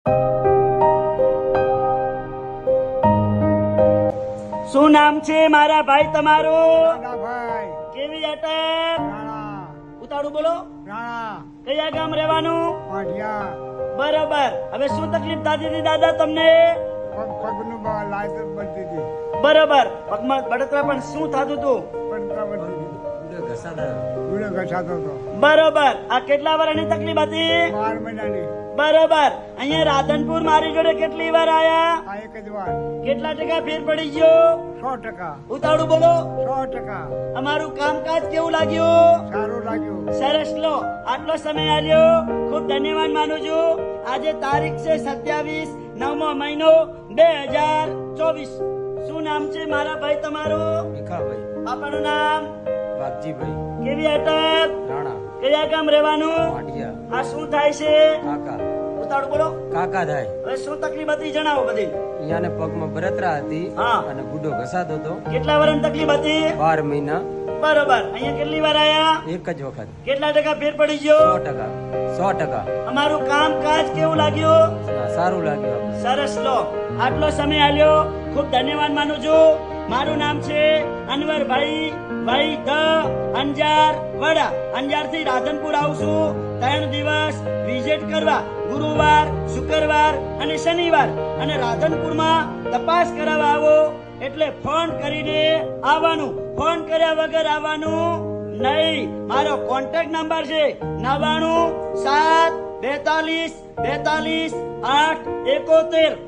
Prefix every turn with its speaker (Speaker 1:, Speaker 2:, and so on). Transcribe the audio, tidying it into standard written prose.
Speaker 1: શું નામ છે મારા ભાઈ તમારું?
Speaker 2: ભાઈ
Speaker 1: કેવી અટક?
Speaker 2: રાણા
Speaker 1: ઉતાળું બોલો.
Speaker 2: રાણા
Speaker 1: કયા ગામ રહેવાનું?
Speaker 2: પાટિયા
Speaker 1: બરોબર. હવે શું તકલીફ થતી હતી દાદા તમને?
Speaker 2: પગનું લાયસન્સ બનતી હતી
Speaker 1: બરોબર. પગમાં બળતરા પણ શું થતું હતું?
Speaker 2: પડતા બનતી હતી ગુડે ઘસાતો હતો
Speaker 1: બરોબર. આ કેટલા વર્ષની તકલીફ હતી?
Speaker 2: 12 મહિનાની
Speaker 1: બરોબર. અહીંયા રાધનપુર મારી જોડે કેટલી વાર આયા?
Speaker 2: આ એક જ વાર
Speaker 1: કેટલા ટકા ફેર પડી ગયો?
Speaker 2: 100%.
Speaker 1: ઉતાળું બોલો.
Speaker 2: 100%.
Speaker 1: અમારું કામકાજ કેવું લાગ્યું?
Speaker 2: સારું લાગ્યું.
Speaker 1: સરસ. લો, આટલો સમય આલ્યો ખૂબ ધન્યવાદ માનું છું. આજે તારીખ છે 27/9 મહિનો 2024. શું નામ છે મારા ભાઈ તમારું?
Speaker 3: ભીખાભાઈ,
Speaker 1: બાપાનું નામ?
Speaker 3: વાઘજીભાઈ,
Speaker 1: કેવી અટક?
Speaker 3: રાણા,
Speaker 1: કયા ગામ રહેવાનું?
Speaker 3: પાટિયા,
Speaker 1: આ શું થાય છે?
Speaker 3: કાકા,
Speaker 1: ઉતાળું બોલો.
Speaker 3: કાકા થાય.
Speaker 1: હવે શું તકલીફ હતી જણાવો બધી.
Speaker 3: અહીંયાને પગમાં બળતરા હતી
Speaker 1: હા.
Speaker 3: અને ગુડો ઘસાતો હતો.
Speaker 1: કેટલા વર્ષની તકલીફ હતી?
Speaker 3: 12 મહિના.
Speaker 1: બરોબર. અહીંયા કેટલી વાર આયા?
Speaker 3: એક જ વખત.
Speaker 1: કેટલા ટકા ફેર પડી ગયો?
Speaker 3: 100%.
Speaker 1: અમારું કામકાજ કેવું લાગ્યું?
Speaker 3: સારું લાગ્યું આપણે.
Speaker 1: સરસ. લો, આટલો સમય આલ્યો ખૂબ ધન્યવાદ માનું છું. મારું નામ છે અનવરભાઈ ભાઈ ધ અંજાર વડા. અંજાર થી રાધનપુર આવું છું 3 દિવસ વિઝિટ કરવા, ગુરુવાર, શુક્રવાર અને શનિવાર. અને રાધનપુરમાં તપાસ કરાવવા આવો એટલે ફોન કરીને આવવાનું. ફોન કર્યા વગર આવવાનું નહીં. મારો કોન્ટેક્ટ નંબર છે 99 7 42 42 8 71.